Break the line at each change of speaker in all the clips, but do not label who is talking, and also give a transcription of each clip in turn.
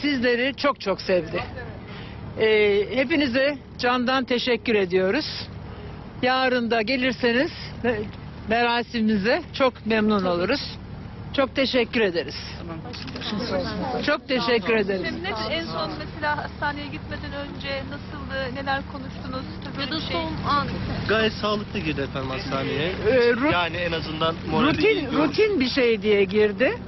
sizleri çok çok sevdi. Hepinize candan teşekkür ediyoruz. Yarın da gelirseniz merasimimize çok memnun oluruz. Çok teşekkür ederiz. Çok teşekkür ederiz.
En son mesela hastaneye gitmeden önce nasıldı, neler konuştunuz? Ya da son an.
Gayet sağlıklı girdi efendim hastaneye. Yani en azından
rutin bir şey diye girdi.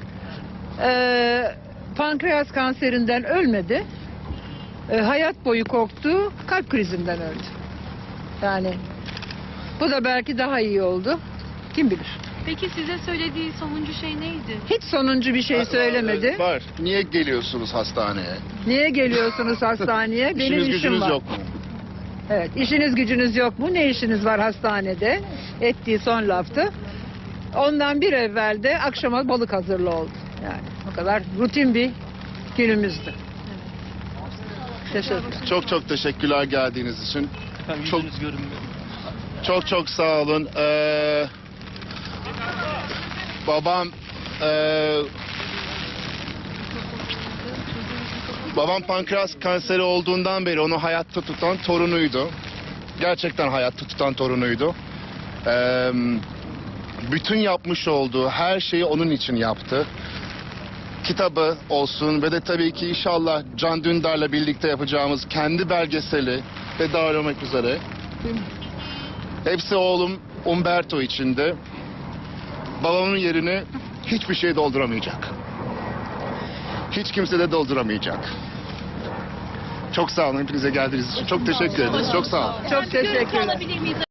Pankreas kanserinden ölmedi. Hayat boyu korktu, kalp krizinden öldü. Yani bu da belki daha iyi oldu. Kim bilir.
Peki size söylediği sonuncu şey neydi?
Hiç sonuncu bir şey söylemedi.
Var. Niye geliyorsunuz hastaneye?
Niye geliyorsunuz hastaneye? Benim
İşiniz
işim
gücünüz
var.
yok mu?
Evet, işiniz gücünüz yok mu? Ne işiniz var hastanede? Ettiği son laftı. Ondan bir evvel de akşama balık hazırlı oldu. Yani o kadar rutin bir günümüzdü. Teşekkür.
Çok çok teşekkürler geldiğiniz için.
Efendim
Çok-
yüzünüz görünmüyor.
Çok sağ olun. Babam pankreas kanseri olduğundan beri onu hayatta tutan torunuydu. Gerçekten hayatta tutan torunuydu. Bütün yapmış olduğu her şeyi onun için yaptı. Kitabı olsun ve de tabii ki inşallah Can Dündar'la birlikte yapacağımız kendi belgeseli ve dahil olmak üzere. Hepsi oğlum Umberto içinde. Babamın yerini hiçbir şey dolduramayacak. Hiç kimse de dolduramayacak. Çok sağ olun hepinize geldiğiniz için. Çok teşekkür ederiz. Çok sağ olun.
Çok teşekkürler.